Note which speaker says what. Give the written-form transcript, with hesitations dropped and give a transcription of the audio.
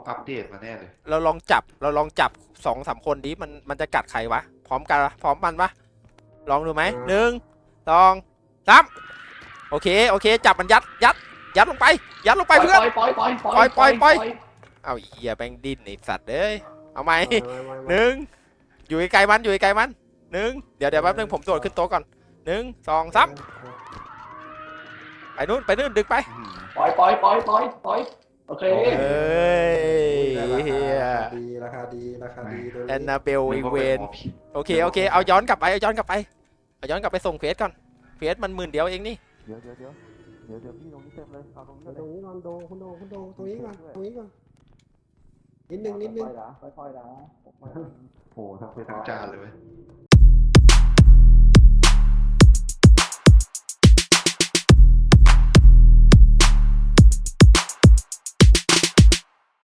Speaker 1: อัปเดตมาแน่เลย
Speaker 2: เราลองจับ2-3คนดิมันจะกัดใครวะพร้อมกันพร้อมมันปะลองดูไหม1 2 3โอเคจับมันยัดลงไปเพื่อน
Speaker 1: ปล่อย
Speaker 2: เอาเหี้ยแบงดินไอสัตว์เอ้ยเอาไหม1อยู่ไกลมัน1เดี๋ยวแป๊บนึงผมโดดขึ้นโต๊ะก่อน1 2 3ไปนู่นดึงไป
Speaker 1: ปล่อยโอเค
Speaker 2: เฮ้ย
Speaker 3: ราคาดี
Speaker 2: แอนนาเบลอีเวนโอเคเอาย้อนกลับไปส่งเควสก่อนเควสมัน10,000เดียวเองนี่
Speaker 4: เดี๋ยวพี่ตรงนี้เต็มเลยเอาตรงนี้
Speaker 3: ตรงนี้ก่อนคุณโดตรงนี้ก่อนนิดนึง
Speaker 4: ค่อยๆนะ
Speaker 1: โอ้ทั้งเพชรทั้งจานเลยเว้ย